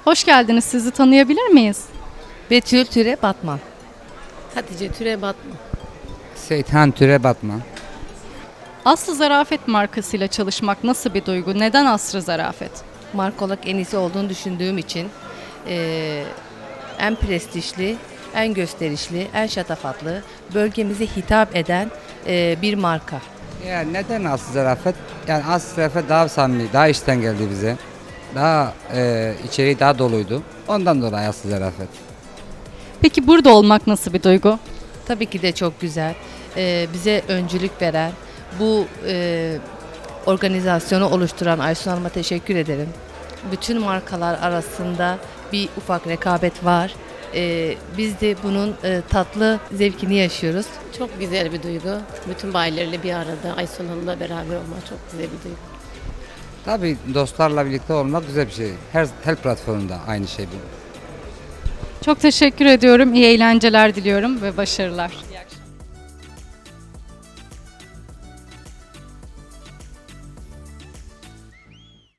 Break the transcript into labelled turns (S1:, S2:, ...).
S1: Hoş geldiniz. Sizi tanıyabilir miyiz?
S2: Betül Türe Batman.
S3: Hatice Türe Batma.
S4: Seyhan Türe Batman.
S1: Aslı Zarafet markasıyla çalışmak nasıl bir duygu? Neden Aslı Zarafet?
S2: Marka olarak en iyisi olduğunu düşündüğüm için en prestijli, en gösterişli, en şatafatlı, bölgemize hitap eden bir marka.
S4: Ya neden Aslı Zarafet? Yani Aslı Zarafet daha samimi, daha içten geldi bize. Daha içeriği daha doluydu. Ondan dolayı Aslı Zarafet.
S1: Peki burada olmak nasıl bir duygu?
S2: Tabii ki de çok güzel. Bize öncülük veren, bu organizasyonu oluşturan Aysun Hanım'a teşekkür ederim. Bütün markalar arasında bir ufak rekabet var. Biz de bunun tatlı zevkini yaşıyoruz.
S3: Çok güzel bir duygu. Bütün bayilerle bir arada Aysun Hanım'la beraber olmak çok güzel bir duygu.
S4: Tabii dostlarla birlikte olmak güzel bir şey. Her platformda aynı şey bu.
S1: Çok teşekkür ediyorum. İyi eğlenceler diliyorum ve başarılar. İyi akşamlar.